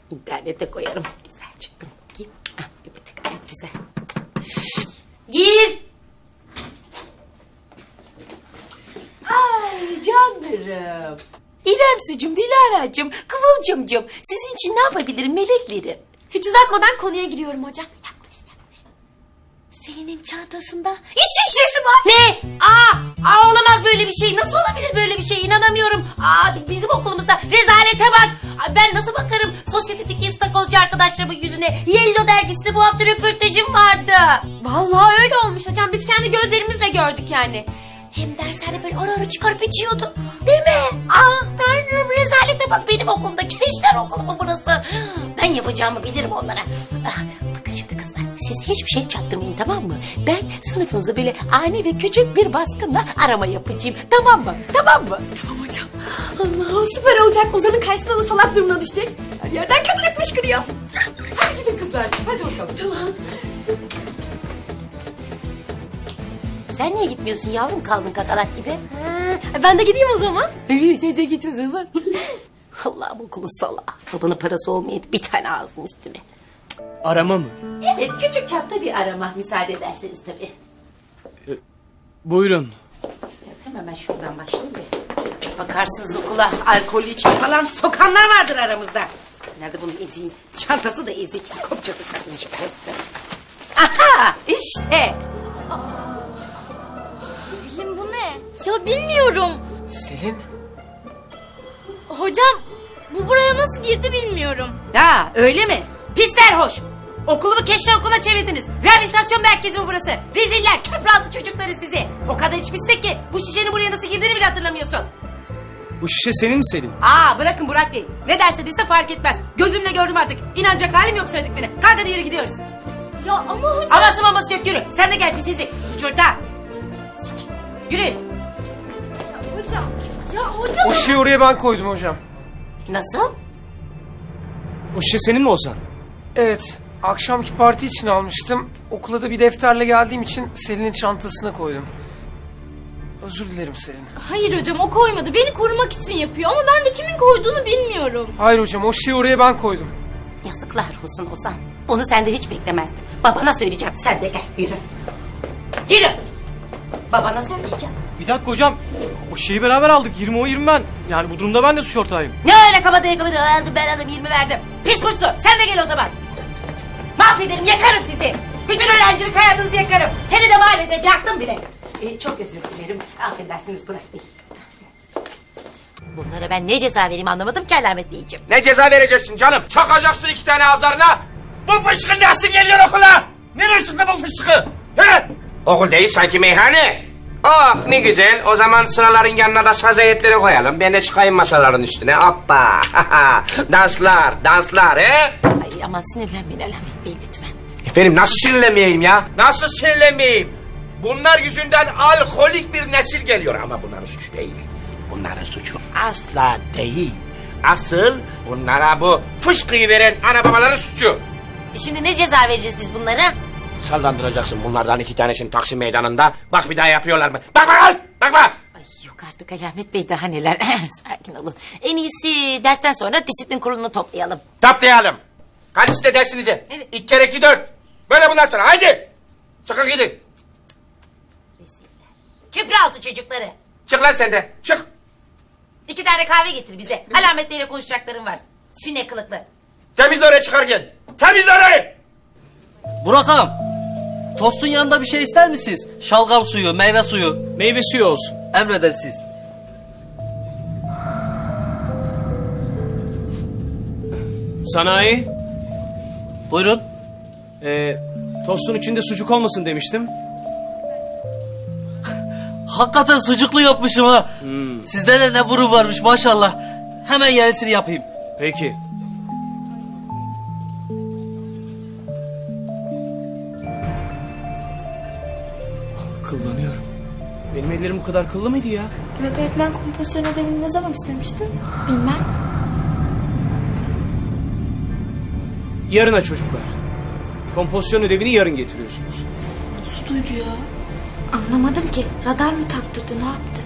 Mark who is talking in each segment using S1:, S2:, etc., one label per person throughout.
S1: İnternete koyarım. Güzel çıktım. Gir. Bir tık gayet güzel. Gir. Ay canlarım. İremsucuğum, Dilara'cığım, Kıvılcımcığım. Sizin için ne yapabilirim meleklerim?
S2: Hiç uzatmadan konuya giriyorum hocam. Yaklaş. Selin'in çantasında içki şişesi var.
S1: Ne? Olamaz böyle bir şey. Nasıl olabilir böyle bir şey? İnanamıyorum. Bizim okulumuzda rezalete bak. Ben nasıl bakarım sosyetedeki istakozcu arkadaşlarımın yüzüne? Yellow dergisinde bu hafta röportajım vardı.
S2: Vallahi öyle olmuş hocam. Biz kendi gözlerimizle gördük yani. Hem derslerde böyle ara ara çıkarıp içiyordu.
S1: Değil mi? Tanrım, rezalete bak, benim okulumda. Gençler okulu mu burası? Ben yapacağımı bilirim onlara. Bakın şimdi kızlar, siz hiçbir şey çaktırmayın, tamam mı? Ben sınıfınızı böyle ani ve küçük bir baskınla arama yapacağım. Tamam mı? Tamam mı?
S2: Tamam hocam. Allah, süper olacak. Ozan'ın karşısında da salak durumuna düşecek. Her yerden kötülük fışkırıyor.
S1: Hadi gidin kızlar, hadi bakalım.
S2: Tamam.
S1: Sen niye gitmiyorsun yavrum, kaldın kakalak gibi?
S2: Ben de gideyim o zaman.
S1: Sen de git o zaman. Allah'ım, okulun salağı. Babanın parası olmayıp bir tane ağzın üstüne.
S3: Arama mı?
S1: Evet, küçük çapta bir arama, müsaade ederseniz tabii.
S3: Buyurun.
S1: Hemen şuradan başlayayım bir. Bakarsınız okula alkolü içki falan sokanlar vardır aramızda. Nerede bunun eziğin? Çantası da ezik. Kopçası kalmış. Aha, işte.
S2: Selin, bu ne? Ya bilmiyorum.
S3: Selin?
S2: Hocam, bu buraya nasıl girdi bilmiyorum.
S1: Ya öyle mi? Pis serhoş. Okulumu keşke okula çevirdiniz. Rehabilitasyon merkezi mi burası? Reziller, köprü çocukları sizi. O kadar içmişsek ki bu şişenin buraya nasıl girdiğini bile hatırlamıyorsun.
S3: Bu şişe senin mi Selin?
S1: Bırakın Burak Bey. Ne derse dese fark etmez. Gözümle gördüm artık. İnanacak halim yok söylediklerine. Kalk hadi yürü, gidiyoruz.
S2: Ya ama hocam...
S1: Aması maması yok, yürü. Sen de gel pis izi. Suç ortağı. Yürü.
S2: Hocam... Ya hocam...
S3: O şişeyi oraya ben koydum hocam.
S1: Nasıl?
S3: O şişe senin mi Ozan? Evet. Akşamki parti için almıştım. Okula da bir defterle geldiğim için Selin'in çantasına koydum. Özür dilerim Selin.
S2: Hayır hocam, o koymadı. Beni korumak için yapıyor ama ben de kimin koyduğunu bilmiyorum.
S3: Hayır hocam, o şişeyi oraya ben koydum.
S1: Yazıklar olsun Ozan. Onu senden hiç beklemezdim. Babana söyleyeceğim. Sen de gel, yürü. Yürü. Babana söyleyeceğim.
S4: Bir dakika hocam. O şeyi beraber aldık. 20 o 20 ben. Yani bu durumda ben de suç ortağıyım.
S1: Ne öyle kabadayı aldım ben aldım 20 verdim. Pis kursu, sen de gel o zaman. Mahvederim, yakarım sizi. Bütün öğrencilik hayatınızı yakarım. Seni de maalesef yaktım bile. Çok özür dilerim. Affedersiniz Burak Bey. Bunlara ben ne ceza vereyim anlamadım ki Alamet Beyciğim.
S5: Ne ceza vereceksin canım? Çakacaksın 2 tane ağızlarına. Bu fışkı nasıl geliyor okula? Nereye çıktı bu fışkı? He? Okul değil sanki meyhane. Oh ne güzel. O zaman sıraların yanına da saz heyetleri koyalım. Ben de çıkayım masaların üstüne. Hoppa. danslar he?
S1: Ay aman sinirlenmeyin Alamet Bey lütfen.
S5: Efendim nasıl sinirlenmeyeyim ya? Nasıl sinirlenmeyeyim? Bunlar yüzünden alkolik bir nesil geliyor. Ama bunların suçu değil. Bunların suçu asla değil. Asıl bunlara bu fışkıyı veren ana babaların suçu.
S1: Şimdi ne ceza vereceğiz biz bunlara?
S5: Sallandıracaksın bunlardan 2 tanesini Taksim Meydanı'nda. Bak bir daha yapıyorlar mı? Bakma kız! Bakma!
S1: Ay yok artık Alamet Bey, daha neler. Sakin olun. En iyisi dersten sonra disiplin kurulunu toplayalım.
S5: Taplayalım. Hadi siz de dersinize.
S1: Evet.
S5: 2 kere 2 4. Böyle bundan sonra haydi. Çıkın gidin.
S1: Köprüaltı çocukları.
S5: Çık lan sen de. Çık.
S1: 2 tane kahve getir bize. Alamet Bey'le konuşacaklarım var. Süne kılıklı.
S5: Temizle orayı çıkarken. Temizle orayı.
S4: Burak ağam. Tostun yanında bir şey ister misiniz? Şalgam suyu, meyve suyu.
S3: Meyve suyu olsun.
S4: Emredersiniz.
S3: Sanayi.
S4: Buyurun.
S3: Tostun içinde sucuk olmasın demiştim.
S4: Hakikaten sucuklu yapmışım ha. Sizde de ne burun varmış maşallah. Hemen yenisini yapayım.
S3: Peki. Kıllanıyorum. Benim ellerim bu kadar kıllı mıydı ya?
S2: Burak öğretmen kompozisyon ödevini ne zaman istemişti? Bilmem.
S3: Yarına çocuklar. Kompozisyon ödevini yarın getiriyorsunuz.
S2: Nasıl duydu ya? Anlamadım ki. Radar mı taktırdı, ne yaptı?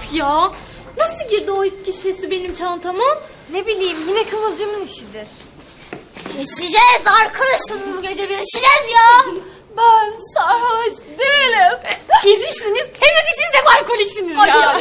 S2: Ya nasıl girdi o içki şişesi benim çantama?
S6: Ne bileyim yine Kıvılcım'ın işidir.
S2: İçeceğiz arkadaşım bu gece biz içeceğiz ya.
S6: Ben sarhoş değilim.
S2: Biz içtiniz hem de siz de alkoliksiniz ya.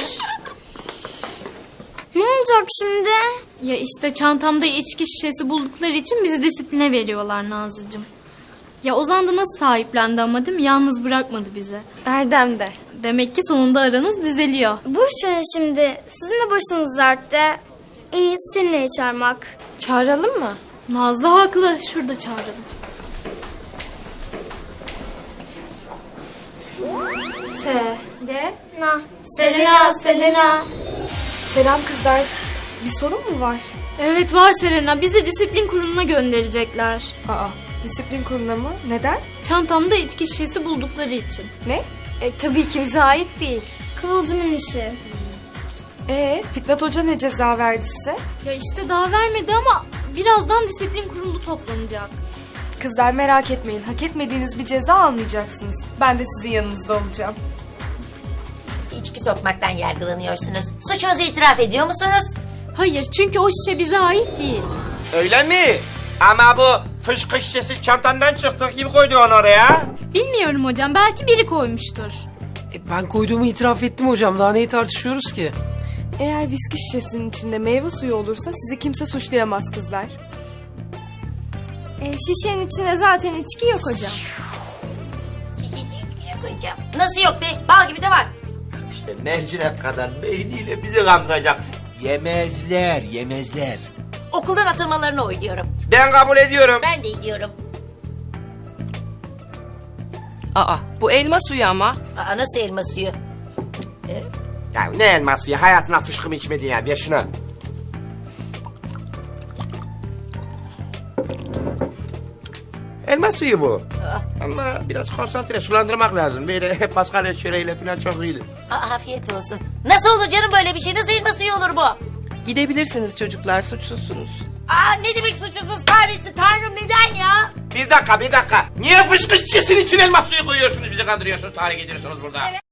S7: Ne olacak şimdi?
S2: Ya işte çantamda içki şişesi buldukları için bizi disipline veriyorlar Nazlıcığım. Ya Ozan da nasıl sahiplendi ama değil mi? Yalnız bırakmadı bizi.
S6: Erdem de.
S2: Demek ki sonunda aranız düzeliyor.
S7: Boş verin şimdi. Sizin de başınız dertte. En iyisi seninle çağırmak.
S6: Çağıralım mı?
S2: Nazlı haklı. Şurada çağıralım.
S7: Selena.
S2: Selena.
S6: Selam kızlar. Bir sorun mu var?
S2: Evet var Selena. Bizi disiplin kuruluna gönderecekler.
S6: Aa, disiplin kuruluna mı? Neden?
S2: Çantamda içki şişesi buldukları için.
S6: Ne? Tabii ki bize ait değil.
S7: Kıvılcımın işi.
S6: Fitnat Hoca ne ceza verdi size?
S2: Ya işte daha vermedi ama birazdan disiplin kurulu toplanacak.
S6: Kızlar merak etmeyin. Hak etmediğiniz bir ceza almayacaksınız. Ben de sizin yanınızda olacağım.
S1: İçki sokmaktan yargılanıyorsunuz. Suçunuzu itiraf ediyor musunuz?
S2: Hayır çünkü o şişe bize ait değil.
S5: Öyle mi? Ama bu fışkı şişesi çantandan çıktı. Kim koydu onu oraya?
S2: Bilmiyorum hocam. Belki biri koymuştur.
S3: Ben koyduğumu itiraf ettim hocam. Daha neyi tartışıyoruz ki?
S6: Eğer viski şişesinin içinde meyve suyu olursa sizi kimse suçlayamaz kızlar. Şişenin içinde zaten içki yok hocam.
S1: Yok hocam. Nasıl yok be? Bal gibi de var.
S5: İşte mercimek kadar beyniyle bizi kandıracak. Yemezler.
S1: Okuldan atılmalarını oyluyorum.
S5: Ben kabul ediyorum.
S1: Ben de ediyorum.
S8: Aa, bu elma suyu ama.
S1: Aa, nasıl elma suyu?
S5: Ya ne elması ya? Hayatına fışkı mı içmedin ya? Ver şunu. Elma suyu bu. Ama biraz konsantre sulandırmak lazım. Böyle Paskalya çöreğiyle falan çok iyiydi.
S1: Aa, afiyet olsun. Nasıl olur canım böyle bir şey? Nasıl elma suyu olur bu?
S8: Gidebilirsiniz çocuklar, suçsuzsunuz.
S1: Aa, ne demek suçsuzuz kahretsin Tanrım neden ya?
S5: Bir dakika. Niye fışkı şişesinin içine elma suyu koyuyorsunuz? Bizi kandırıyorsunuz, tahrik ediyorsunuz burada.